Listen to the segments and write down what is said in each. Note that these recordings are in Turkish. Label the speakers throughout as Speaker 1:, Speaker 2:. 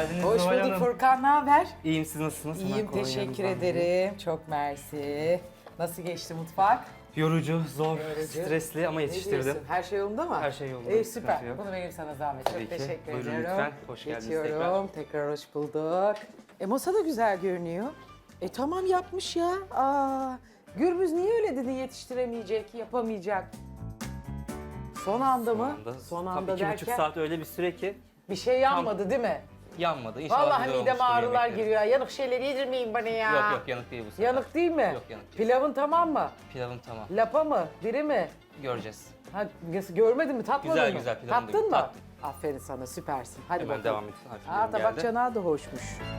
Speaker 1: geldiniz
Speaker 2: Hoş
Speaker 1: Zuhal
Speaker 2: bulduk
Speaker 1: Hanım.
Speaker 2: Furkan, ne haber?
Speaker 1: İyiyim, siz nasılsınız?
Speaker 2: İyiyim,
Speaker 1: Hemen kolay
Speaker 2: teşekkür
Speaker 1: yanınızdan
Speaker 2: ederim. Çok mersi. Nasıl geçti mutfak?
Speaker 1: Yorucu, zor,
Speaker 2: Yorucu.
Speaker 1: stresli ama
Speaker 2: Ne
Speaker 1: yetiştirdim.
Speaker 2: diyorsun? Her şey yolunda mı?
Speaker 1: Her şey yolunda,
Speaker 2: İyi,
Speaker 1: sıkıntı
Speaker 2: süper.
Speaker 1: yok.
Speaker 2: Bunu vereyim sana zahmet.
Speaker 1: Tabii
Speaker 2: Çok
Speaker 1: ki.
Speaker 2: teşekkür
Speaker 1: Buyurun
Speaker 2: ediyorum.
Speaker 1: lütfen. Hoş geldiniz
Speaker 2: Geçiyorum. Tekrar hoş bulduk. Masa da güzel görünüyor. Tamam yapmış ya. Gürbüz niye öyle dedin, yetiştiremeyecek, yapamayacak? Son anda mı? Son anda
Speaker 1: Tabii 2,5
Speaker 2: derken
Speaker 1: saat öyle bir süre ki
Speaker 2: bir şey yanmadı değil mi?
Speaker 1: yanmadı. İnşallah
Speaker 2: Vallahi
Speaker 1: güzel
Speaker 2: mideme
Speaker 1: olmuştur
Speaker 2: ağrılar
Speaker 1: yemekleri.
Speaker 2: giriyor. Yanık şeyler yedirmeyin bana ya.
Speaker 1: Yok yanık değil bu sefer.
Speaker 2: Yanık değil mi?
Speaker 1: Yok, yanık değil.
Speaker 2: Pilavın tamam mı?
Speaker 1: Pilavım tamam.
Speaker 2: Lapa mı? Diri mi?
Speaker 1: Göreceğiz.
Speaker 2: Ha, görmedin mi? Tatmadın
Speaker 1: Güzel,
Speaker 2: mı?
Speaker 1: güzel, pilavını da
Speaker 2: Tattın mı?
Speaker 1: tattım.
Speaker 2: Aferin sana, süpersin. Hadi
Speaker 1: Hemen
Speaker 2: bakalım.
Speaker 1: devam edin. Harflerim
Speaker 2: Tabak
Speaker 1: geldi.
Speaker 2: çanağı da hoşmuş.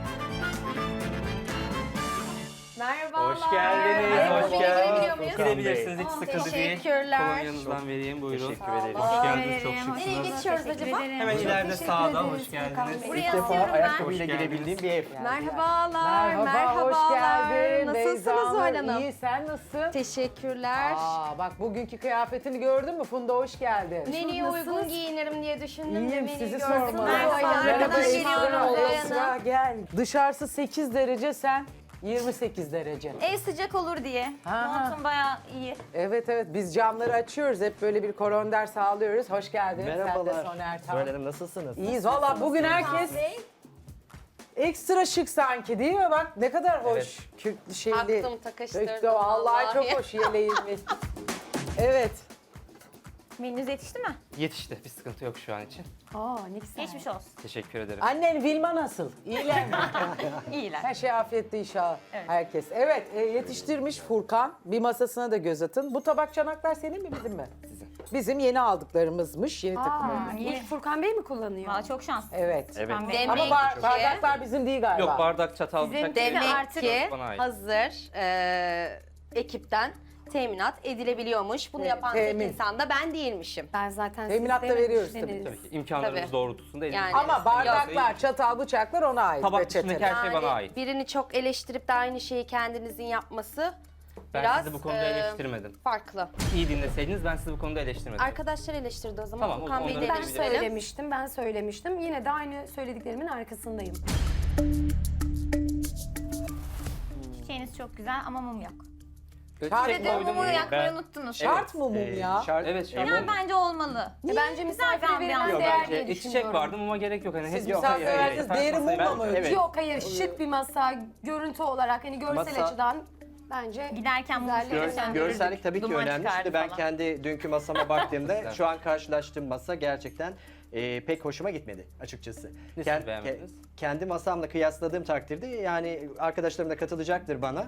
Speaker 3: Merhabalar.
Speaker 1: Hoş geldiniz,
Speaker 3: Merhaba.
Speaker 1: hoş
Speaker 3: Girebiliyor
Speaker 1: geldiniz.
Speaker 3: muyuz?
Speaker 1: Girebilirsiniz, hiç sıkıntı değil.
Speaker 3: teşekkürler.
Speaker 1: Kolonyanızdan vereyim, buyurun.
Speaker 4: Teşekkür ederiz.
Speaker 1: Hoş geldiniz, çok
Speaker 3: Nereye
Speaker 1: şıksınız.
Speaker 3: geçiyoruz acaba?
Speaker 1: Hemen ileride sağda, hoş geldiniz.
Speaker 3: Buraya
Speaker 4: İlk defa
Speaker 3: atıyorum ben.
Speaker 4: ayakkabıyla
Speaker 1: Hoş geldiniz.
Speaker 4: girebildiğim bir ev.
Speaker 3: Merhabalar,
Speaker 2: Merhaba,
Speaker 3: merhabalar.
Speaker 2: hoş geldin.
Speaker 3: Nasılsınız
Speaker 2: Beyza
Speaker 3: Zuhal
Speaker 2: Hanım?
Speaker 3: Hanım?
Speaker 2: İyi, sen nasılsın?
Speaker 3: Teşekkürler.
Speaker 2: Bak bugünkü kıyafetini gördün mü Funda, hoş geldin.
Speaker 3: Menüye uygun giyinirim diye düşündüm de
Speaker 2: İyiyim,
Speaker 3: menüyü
Speaker 2: sizi
Speaker 3: gördüm.
Speaker 2: sormalı.
Speaker 3: Merhaba, arkadan
Speaker 2: Esra,
Speaker 3: geliyorum
Speaker 2: Esra,
Speaker 3: Zoya
Speaker 2: gel. Dışarısı 8 derece, sen 28 derece.
Speaker 5: Ev sıcak olur diye.
Speaker 2: Ha.
Speaker 5: Montum bayağı iyi.
Speaker 2: Evet evet, biz camları açıyoruz, hep böyle bir koronder sağlıyoruz. Hoş geldin. Sen de
Speaker 4: Merhabalar.
Speaker 2: Soner Tan.
Speaker 4: Zuhal Hanım nasılsınız?
Speaker 2: İyiyiz valla, bugün herkes ekstra şık sanki, değil mi? Bak ne kadar hoş.
Speaker 1: Evet.
Speaker 2: Kürklü şeyli.
Speaker 3: Taktım, takıştırdım
Speaker 2: Döktü, vallahi
Speaker 3: vallahi.
Speaker 2: çok hoş yeleğimiz. Evet.
Speaker 5: Menünüz yetişti mi?
Speaker 1: Yetişti, bir sıkıntı yok şu an için.
Speaker 5: Geçmiş olsun.
Speaker 1: Teşekkür ederim.
Speaker 2: Annen Vilma nasıl? İyiler mi?
Speaker 5: İyiler.
Speaker 2: Her şey afiyette inşallah.
Speaker 5: Evet.
Speaker 2: Herkes. Evet, yetiştirmiş Furkan. Bir masasına da göz atın. Bu tabak çanaklar senin mi, bizim mi?
Speaker 1: Sizin.
Speaker 2: Bizim yeni aldıklarımızmış, yeni takımlarımız.
Speaker 5: İyi.
Speaker 3: Furkan Bey mi kullanıyor?
Speaker 5: Valla çok şanslı.
Speaker 2: Evet.
Speaker 4: Evet.
Speaker 5: Ben
Speaker 3: Demek
Speaker 2: Ama
Speaker 3: ki
Speaker 2: bardaklar bizim değil galiba.
Speaker 1: Yok, bardak, çatal,
Speaker 5: Sizin
Speaker 1: bıçak.
Speaker 5: demek
Speaker 3: demek ki
Speaker 1: Bana ait.
Speaker 3: hazır ekipten teminat edilebiliyormuş. Bunu yapan tek
Speaker 2: temin.
Speaker 3: insan da ben değilmişim.
Speaker 6: Ben zaten
Speaker 2: Teminat da veriyoruz tabii.
Speaker 1: Tabii ki imkanlarımız
Speaker 3: Tabii.
Speaker 1: doğrultusunda elimizde.
Speaker 3: Yani-
Speaker 2: Ama bardaklar, çatal, bıçaklar ona ait.
Speaker 1: Tabak
Speaker 2: reçeteler.
Speaker 1: dışındaki her şey bana ait.
Speaker 3: Birini çok eleştirip de aynı şeyi kendinizin yapması
Speaker 1: Ben
Speaker 3: biraz
Speaker 1: sizi bu konuda eleştirmedim.
Speaker 3: farklı.
Speaker 1: İyi dinleseydiniz ben sizi bu konuda eleştirmedim.
Speaker 3: Arkadaşlar eleştirdi o zaman.
Speaker 1: Tamam, o
Speaker 3: Furkan
Speaker 1: zaman
Speaker 3: Bey
Speaker 1: onları
Speaker 6: Ben
Speaker 3: eleştirelim.
Speaker 6: söylemiştim. Yine de aynı söylediklerimin arkasındayım.
Speaker 5: Çiçeğiniz çok güzel ama mum yok.
Speaker 2: Şart
Speaker 5: Bir de
Speaker 2: mı?
Speaker 5: mumu yakmayı
Speaker 4: ben-
Speaker 5: unuttunuz.
Speaker 2: Şart mı mum ya?
Speaker 4: Şart,
Speaker 1: Evet, şart.
Speaker 5: Yani bence olmalı.
Speaker 6: Bence misafire
Speaker 5: ambiyans.
Speaker 6: verilen
Speaker 1: Yok,
Speaker 6: değer
Speaker 1: bence
Speaker 6: diye
Speaker 1: çiçek
Speaker 6: düşünüyorum.
Speaker 1: vardı ama gerek yok. Hani
Speaker 2: Siz
Speaker 1: yok,
Speaker 2: misafir
Speaker 1: hayır, hayır.
Speaker 2: verdiniz,
Speaker 1: Ben
Speaker 2: değeri
Speaker 1: masayı-
Speaker 2: mumla mı
Speaker 1: ben-
Speaker 2: ölçüyor?
Speaker 1: Evet.
Speaker 6: Yok hayır, şık bir masa, görüntü olarak hani görsel
Speaker 4: Masa-
Speaker 6: açıdan bence
Speaker 5: Giderken mumu
Speaker 6: Güzellik.
Speaker 5: söndürürdük.
Speaker 4: Görsellik tabii ki
Speaker 5: Duman
Speaker 4: önemli.
Speaker 5: çıkardı
Speaker 4: Şimdi ben
Speaker 5: falan.
Speaker 4: kendi dünkü masama baktığımda şu an karşılaştığım masa gerçekten pek hoşuma gitmedi açıkçası.
Speaker 1: Nesini beğenmediniz?
Speaker 4: Kendi masamla kıyasladığım takdirde yani arkadaşlarım da katılacaktır bana.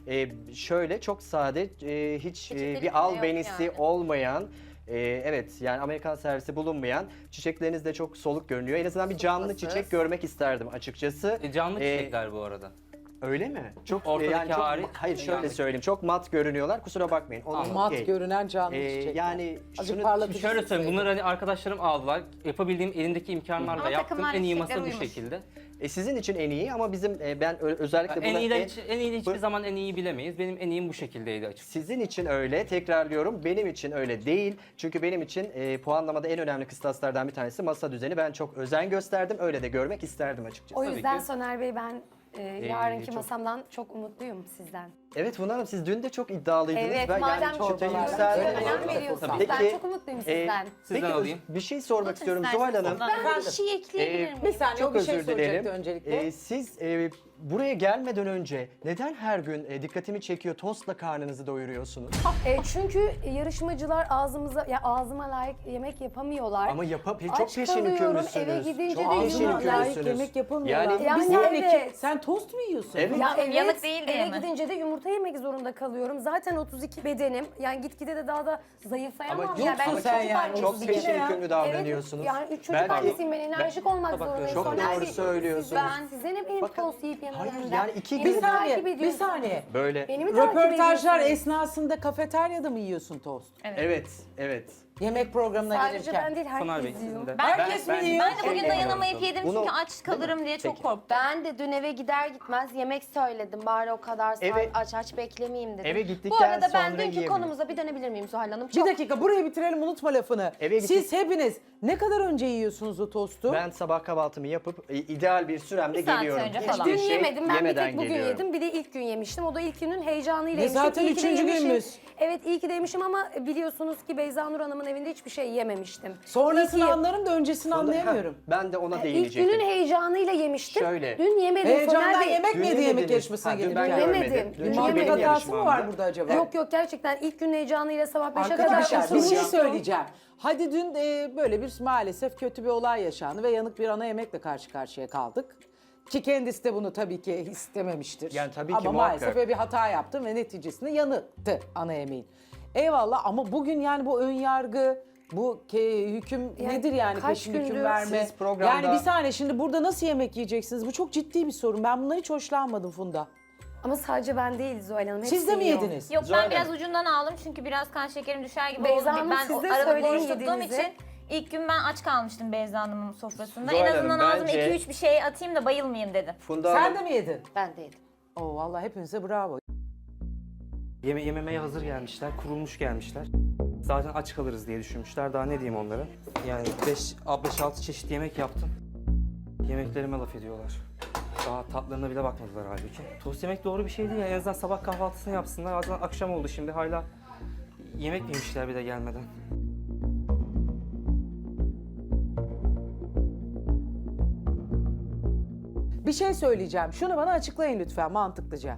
Speaker 4: Şöyle çok sade, hiç
Speaker 3: Çiçekleri
Speaker 4: bir
Speaker 3: bile
Speaker 4: albenisi
Speaker 3: yok yani.
Speaker 4: olmayan, evet yani Amerikan servisi bulunmayan, çiçekleriniz de çok soluk görünüyor. En azından bir canlı
Speaker 3: Sofrası.
Speaker 4: çiçek görmek isterdim açıkçası.
Speaker 1: Canlı
Speaker 4: E,
Speaker 1: çiçekler bu arada.
Speaker 4: Öyle mi? Çok
Speaker 1: Ortadaki
Speaker 4: çok,
Speaker 1: hariç,
Speaker 4: hayır şöyle
Speaker 1: yani-
Speaker 4: söyleyeyim. Çok mat görünüyorlar. Kusura bakmayın. Onun
Speaker 1: Anladım.
Speaker 2: Mat
Speaker 4: okey.
Speaker 2: görünen canlı çiçekler.
Speaker 4: Yani
Speaker 2: Azıcık
Speaker 4: şunu
Speaker 2: parlatıcı
Speaker 1: Şöyle söyleyeyim,
Speaker 2: sıksaydın.
Speaker 1: bunları hani arkadaşlarım aldılar. Yapabildiğim elimdeki imkanlarla
Speaker 5: Ama
Speaker 1: yaptım.
Speaker 5: takımlar
Speaker 1: En iyi
Speaker 5: çiçekler
Speaker 1: masa bu
Speaker 5: uyumuş.
Speaker 1: şekilde.
Speaker 4: sizin için en iyi ama bizim ben özellikle
Speaker 1: En
Speaker 4: buna
Speaker 1: iyi de en iyi de hiçbir
Speaker 4: Bu-
Speaker 1: zaman en iyi bilemeyiz. Benim en iyim bu şekildeydi açıkçası.
Speaker 4: sizin için öyle. Tekrarlıyorum. Benim için öyle değil. Çünkü benim için puanlamada en önemli kıstaslardan bir tanesi masa düzeni. Ben çok özen gösterdim. Öyle de görmek isterdim açıkçası.
Speaker 6: o
Speaker 1: Tabii
Speaker 6: yüzden
Speaker 1: ki.
Speaker 6: Soner Bey ben yarınki
Speaker 4: çok-
Speaker 6: masamdan çok umutluyum sizden.
Speaker 4: Evet Funda Hanım siz dün de çok iddialıydınız.
Speaker 6: Evet,
Speaker 4: ben
Speaker 6: madem
Speaker 4: yani
Speaker 6: çok
Speaker 4: çıtayı
Speaker 2: önemli
Speaker 4: yükseldim.
Speaker 6: önem veriyorsunuz.
Speaker 4: Peki,
Speaker 6: Ben çok umutluyum sizden.
Speaker 1: Sizden
Speaker 4: Peki
Speaker 1: alayım.
Speaker 4: bir şey sormak
Speaker 5: Unutun
Speaker 4: istiyorum
Speaker 5: isterseniz
Speaker 4: Zuhal Hanım.
Speaker 5: ondan.
Speaker 3: Ben bir şey ekleyebilir miyim?
Speaker 2: Bir saniye,
Speaker 4: Çok
Speaker 2: o bir şey
Speaker 4: özür
Speaker 2: soracaktı
Speaker 4: dilerim.
Speaker 2: öncelikle.
Speaker 4: Siz buraya gelmeden önce neden her gün dikkatimi çekiyor tostla karnınızı doyuruyorsunuz?
Speaker 6: Çünkü yarışmacılar ağzıma layık yemek yapamıyorlar.
Speaker 4: Ama çok
Speaker 6: Aç
Speaker 4: peşin
Speaker 6: kalıyorum,
Speaker 4: hükümlüsünüz.
Speaker 6: eve gidince
Speaker 4: Çok
Speaker 6: de
Speaker 4: peşin
Speaker 6: yumurta-
Speaker 2: Layık
Speaker 4: hükümlüsünüz.
Speaker 2: yemek yapılmıyor.
Speaker 4: Yani,
Speaker 6: Yani
Speaker 2: bir saniye,
Speaker 6: evet.
Speaker 2: sen tost mu yiyorsun?
Speaker 4: Evet.
Speaker 6: Ya evet,
Speaker 5: Yanık değil diye
Speaker 6: eve
Speaker 5: mi?
Speaker 6: gidince de yumurta yemek zorunda kalıyorum. Zaten 32 bedenim. Yani gitgide de daha da zayıflayamam.
Speaker 4: Ama
Speaker 6: ya ben
Speaker 2: yoksun sen
Speaker 6: çocuk
Speaker 2: yani,
Speaker 6: annesiyim.
Speaker 4: çok
Speaker 2: 32
Speaker 4: peşin
Speaker 2: ne ya?
Speaker 4: hükümlü davranıyorsunuz.
Speaker 6: Evet, yani 3 çocuk
Speaker 4: Belki-
Speaker 6: annesiyim, ben enerjik olmak
Speaker 1: Tabak
Speaker 6: zorundayım.
Speaker 1: çok
Speaker 6: Soner
Speaker 4: doğru
Speaker 6: Bey,
Speaker 4: söylüyorsunuz.
Speaker 6: Ben size ne benim
Speaker 4: Bakın,
Speaker 6: tost yiyip
Speaker 4: hayır,
Speaker 6: yememden.
Speaker 4: yani iki
Speaker 6: Beni
Speaker 4: gün-
Speaker 2: Bir
Speaker 6: takip
Speaker 2: saniye, bir
Speaker 6: ediyorsunuz.
Speaker 2: saniye.
Speaker 4: Böyle.
Speaker 6: Beni mi takip
Speaker 2: Röportajlar
Speaker 6: ediyorsunuz?
Speaker 2: esnasında kafeteryada mı yiyorsun tost?
Speaker 4: Evet, evet.
Speaker 2: Yemek programına
Speaker 6: Sadece
Speaker 2: gelirken.
Speaker 6: ben değil
Speaker 1: Soner Bey
Speaker 6: herkes
Speaker 1: sizin
Speaker 6: yiyor.
Speaker 1: de.
Speaker 2: Herkes mi yiyor?
Speaker 5: Ben de bugün
Speaker 4: Evet.
Speaker 5: dayanamayıp yedim
Speaker 4: Bunu-
Speaker 5: çünkü aç kalırım diye çok
Speaker 4: Peki.
Speaker 5: korktum.
Speaker 3: Ben de dün eve gider gitmez yemek söyledim. Bari o kadar saat
Speaker 4: Eve-
Speaker 3: aç beklemeyeyim dedim.
Speaker 4: Eve gittikten
Speaker 3: Bu arada ben
Speaker 4: sonra
Speaker 3: dünkü
Speaker 4: yiyebilirim.
Speaker 3: konumuza bir dönebilir miyim Zuhal Hanım?
Speaker 2: Bir dakika burayı bitirelim unutma lafını.
Speaker 4: Eve
Speaker 2: Siz hepiniz ne kadar önce yiyorsunuz o tostu?
Speaker 4: Ben sabah kahvaltımı yapıp ideal bir süremde
Speaker 5: Bir saat
Speaker 4: geliyorum.
Speaker 5: önce
Speaker 4: Hiçbir
Speaker 5: falan.
Speaker 6: Dün
Speaker 4: şey
Speaker 6: yemedim. Ben bir
Speaker 4: yemeden
Speaker 6: tek bugün
Speaker 4: geliyorum.
Speaker 6: yedim. Bir de ilk gün yemiştim. O da ilk günün heyecanıyla
Speaker 2: Ve
Speaker 6: yemiştim.
Speaker 2: zaten
Speaker 6: İyi ki de
Speaker 2: üçüncü
Speaker 6: yemişim.
Speaker 2: günümüz.
Speaker 6: Evet iyi ki de yemişim ama biliyorsunuz ki Beyza Nur Hanım'ın evinde hiçbir şey yememiştim.
Speaker 2: Sonrasını
Speaker 6: İyi ki-
Speaker 2: anlarım da öncesini anlayamıyorum.
Speaker 4: Ben de ona
Speaker 6: İlk
Speaker 4: değinecektim.
Speaker 6: günün heyecanıyla yemiştim.
Speaker 4: Şöyle.
Speaker 6: Dün yemedim.
Speaker 2: Heyecandan
Speaker 6: Soner Bey-
Speaker 2: yemek
Speaker 4: Dün
Speaker 2: mi yedi yemek
Speaker 4: yemediniz.
Speaker 2: yarışmasına
Speaker 4: Ha, dün
Speaker 2: gelirken?
Speaker 4: ben
Speaker 6: Yemedim.
Speaker 4: görmedim.
Speaker 6: Dün
Speaker 4: Dün
Speaker 2: Mantık
Speaker 6: yemedim.
Speaker 4: benim
Speaker 2: hatası mı var
Speaker 4: yarışmamda.
Speaker 2: burada acaba?
Speaker 6: Yok yok gerçekten ilk günün heyecanıyla sabah 5'e kadar
Speaker 2: Arkadaşlar bir şey
Speaker 6: oturmuştum.
Speaker 2: söyleyeceğim. Hadi dün böyle bir maalesef kötü bir olay yaşandı ve yanık bir ana yemekle karşı karşıya kaldık. Ki kendisi de bunu tabii ki istememiştir.
Speaker 4: Yani tabii ki
Speaker 2: ama
Speaker 4: muhakkak.
Speaker 2: maalesef öyle bir hata yaptım ve neticesinde yanıktı ana yemeğin. Eyvallah ama bugün yani bu ön yargı, bu hüküm
Speaker 6: Yani
Speaker 2: nedir yani
Speaker 6: kaç
Speaker 2: peşin hüküm
Speaker 6: gündür
Speaker 2: verme?
Speaker 4: siz programda-
Speaker 2: Yani bir saniye şimdi burada nasıl yemek yiyeceksiniz? Bu çok ciddi bir sorun. Ben bundan hiç hoşlanmadım Funda.
Speaker 6: Ama sadece ben değil Zuhal Hanım.
Speaker 2: Siz de mi
Speaker 6: hepsi yiyor.
Speaker 2: yediniz?
Speaker 5: Yok
Speaker 4: Zuhal
Speaker 5: ben biraz
Speaker 4: Hanım.
Speaker 5: ucundan aldım çünkü biraz kan şekerim düşer gibi
Speaker 6: Beyza
Speaker 5: oldu.
Speaker 6: Hanım,
Speaker 5: Ben
Speaker 6: siz
Speaker 5: o
Speaker 6: de
Speaker 5: arada
Speaker 6: söyleyin
Speaker 5: boş tuttuğum
Speaker 6: yediğinizi.
Speaker 5: için ilk gün ben aç kalmıştım Beyza Hanım'ın sofrasında.
Speaker 4: Zuhal
Speaker 5: En azından
Speaker 4: Hanım,
Speaker 5: ağzıma
Speaker 4: bence-
Speaker 5: 2-3 bir şey atayım da bayılmayayım dedim.
Speaker 4: Funda
Speaker 2: Sen
Speaker 4: Hanım,
Speaker 2: de mi yedin?
Speaker 3: Ben de yedim.
Speaker 2: Oo vallahi hepinize bravo.
Speaker 1: Yememeye hazır gelmişler, kurulmuş gelmişler. Zaten aç kalırız diye düşünmüşler. Daha ne diyeyim onlara? Yani 5-6 çeşit yemek yaptım. Yemeklerime laf ediyorlar. Daha tatlarına bile bakmadılar halbuki. Tost yemek doğru bir şey değil. En azından sabah kahvaltısını yapsınlar. Azından akşam oldu şimdi hala yemek mi yemişler bir de gelmeden.
Speaker 2: Bir şey söyleyeceğim. Şunu bana açıklayın lütfen mantıklıca.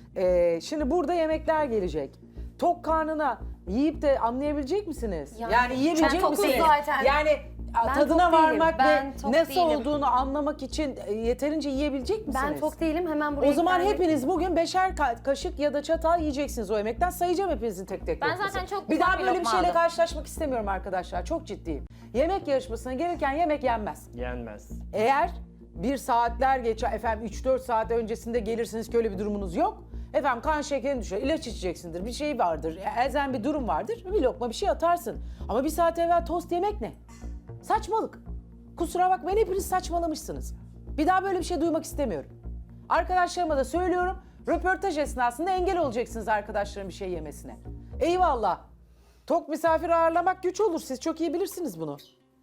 Speaker 2: Şimdi burada yemekler gelecek. Tok karnına yiyip de anlayabilecek misiniz? Yani yiyebilecek
Speaker 6: ben tokum
Speaker 2: misiniz?
Speaker 6: zaten.
Speaker 2: Yani
Speaker 6: Ben
Speaker 2: tadına
Speaker 6: tok değilim.
Speaker 2: varmak
Speaker 3: Ben
Speaker 2: ve
Speaker 3: tok
Speaker 2: nasıl
Speaker 3: değilim.
Speaker 2: olduğunu anlamak için yeterince yiyebilecek misiniz?
Speaker 6: Ben tok değilim hemen buraya
Speaker 2: O zaman
Speaker 6: geldim.
Speaker 2: hepiniz bugün 5'er kaşık ya da çatal yiyeceksiniz o yemekten. Sayacağım hepinizin tek tek
Speaker 5: Ben
Speaker 2: lokması.
Speaker 5: zaten çok
Speaker 2: Bir
Speaker 5: ufak
Speaker 2: daha
Speaker 5: bir
Speaker 2: böyle bir
Speaker 5: lokma
Speaker 2: şeyle
Speaker 5: aldım.
Speaker 2: karşılaşmak istemiyorum arkadaşlar. Çok ciddiyim. Yemek yarışmasına gelirken yemek yenmez.
Speaker 4: yenmez.
Speaker 2: Eğer bir saatler geçer, efendim 3-4 saat öncesinde gelirsiniz ki öyle bir durumunuz yok. Efendim kan şekerin düşer, ilaç içeceksindir, bir şey vardır, elzem bir durum vardır, bir lokma bir şey atarsın. Ama bir saat evvel tost yemek ne? Saçmalık. Kusura bakmayın hepiniz saçmalamışsınız. Bir daha böyle bir şey duymak istemiyorum. Arkadaşlarıma da söylüyorum, röportaj esnasında engel olacaksınız arkadaşların bir şey yemesine. Eyvallah. Tok misafir ağırlamak güç olur, siz çok iyi bilirsiniz bunu.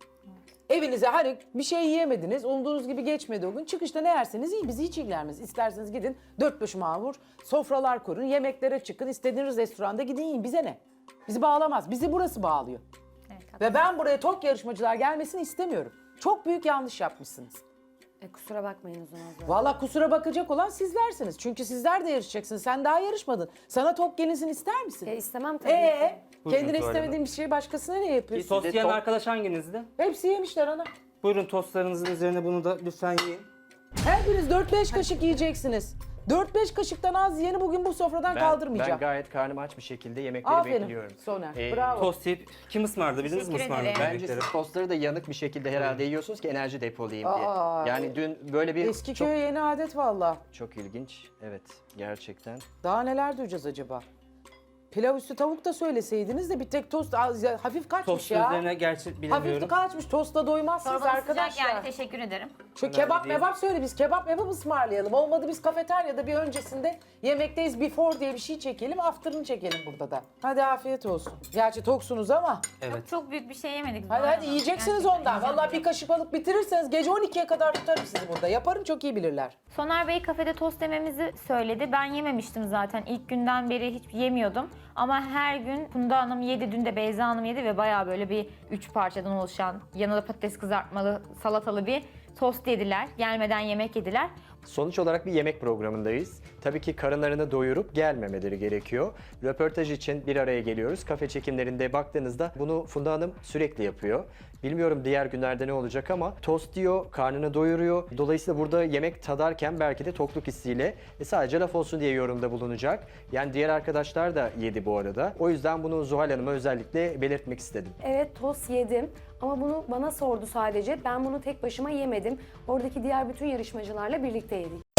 Speaker 2: Evinize hani bir şey yiyemediniz, umduğunuz gibi geçmedi o gün. Çıkışta ne yerseniz yiyin, bizi hiç ilgilenmez. İsterseniz gidin, 4 mamur, sofralar kurun, yemeklere çıkın, istediğiniz restoranda gidin yiyin. Bize ne? Bizi bağlamaz, bizi burası bağlıyor.
Speaker 5: Evet,
Speaker 2: Ve ben buraya tok yarışmacılar gelmesini istemiyorum. Çok büyük yanlış yapmışsınız.
Speaker 6: Kusura bakmayın o zaman.
Speaker 2: Vallahi kusura bakacak olan sizlersiniz. Çünkü sizler de yarışacaksınız. Sen daha yarışmadın. Sana tok gelinsin ister misin?
Speaker 6: İstemem tabii ki.
Speaker 1: Buyurun
Speaker 2: Kendine
Speaker 1: Zuhal
Speaker 2: istemediğin bir şeyi başkasına ne yapıyorsun?
Speaker 1: Tost
Speaker 4: de
Speaker 1: yiyen
Speaker 4: top-
Speaker 1: arkadaş hanginizdi?
Speaker 2: Hepsi yemişler ana.
Speaker 1: Buyurun tostlarınızın üzerine bunu da lütfen yiyin.
Speaker 2: Hepiniz 4-5 kaşık yiyeceksiniz. 4-5 kaşıktan az yiyeni bugün bu sofradan
Speaker 4: Ben
Speaker 2: kaldırmayacağım.
Speaker 4: gayet karnım aç bir şekilde yemekleri
Speaker 2: Aferin
Speaker 4: bekliyorum.
Speaker 2: Soner.
Speaker 4: Ee,
Speaker 2: Bravo.
Speaker 1: Tost yiyip kim ısmarladı bildiniz mi
Speaker 5: Teşekkür
Speaker 1: ısmarladı
Speaker 5: ederim.
Speaker 4: Bence
Speaker 1: yemekleri?
Speaker 4: siz tostları da yanık bir şekilde herhalde yiyorsunuz ki enerji depolayayım diye.
Speaker 2: Aa,
Speaker 4: Yani dün böyle bir
Speaker 2: Eski
Speaker 4: çok,
Speaker 2: köye yeni adet valla.
Speaker 4: çok ilginç. Evet gerçekten.
Speaker 2: Daha neler duyacağız acaba? Pilav üstü tavuk da söyleseydiniz de bir tek tost hafif kaçmış
Speaker 1: Tost
Speaker 2: ya.
Speaker 1: üzerine gerçi
Speaker 2: Hafif
Speaker 1: bilemiyorum.
Speaker 2: kaçmış. Tostla doymazsınız
Speaker 5: Çorbanız sıcak
Speaker 2: arkadaşlar.
Speaker 5: yani teşekkür ederim.
Speaker 2: Şu
Speaker 1: Önemli
Speaker 2: kebap
Speaker 1: değil.
Speaker 2: mebap söyle biz kebap mebap ısmarlayalım. Olmadı biz kafeteryada bir öncesinde yemekteyiz before diye bir şey çekelim. After'ını çekelim burada da. Hadi afiyet olsun. Gerçi toksunuz ama.
Speaker 1: Evet.
Speaker 5: Çok büyük bir şey yemedik.
Speaker 2: Hadi
Speaker 5: Zuhal
Speaker 2: hadi
Speaker 5: Hanım.
Speaker 2: yiyeceksiniz
Speaker 5: Gerçekten
Speaker 2: ondan.
Speaker 5: yiyeceğim.
Speaker 2: Vallahi bir kaşık alıp bitirirseniz gece 12'ye kadar tutarım sizi burada. Yaparım çok iyi bilirler.
Speaker 5: Soner Bey kafede tost yememizi söyledi. Ben yememiştim zaten. İlk günden beri hiç yemiyordum. Ama her gün Funda Hanım yedi, dün de Beyza Hanım yedi ve bayağı böyle bir 3 parçadan oluşan, yanında patates kızartmalı, salatalı bir tost yediler. Gelmeden yemek yediler.
Speaker 4: Sonuç olarak bir yemek programındayız. Tabii ki karınlarını doyurup gelmemeleri gerekiyor. Röportaj için bir araya geliyoruz. Kafe çekimlerinde baktığınızda bunu Funda Hanım sürekli yapıyor. Bilmiyorum diğer günlerde ne olacak ama tost diyor, karnını doyuruyor. Dolayısıyla burada yemek tadarken belki de tokluk hissiyle sadece laf olsun diye yorumda bulunacak. Yani diğer arkadaşlar da yedi bu arada. O yüzden bunu Zuhal Hanım'a özellikle belirtmek istedim.
Speaker 6: Evet tost yedim ama bunu bana sordu sadece. Ben bunu tek başıma yemedim. Oradaki diğer bütün yarışmacılarla birlikte yedik.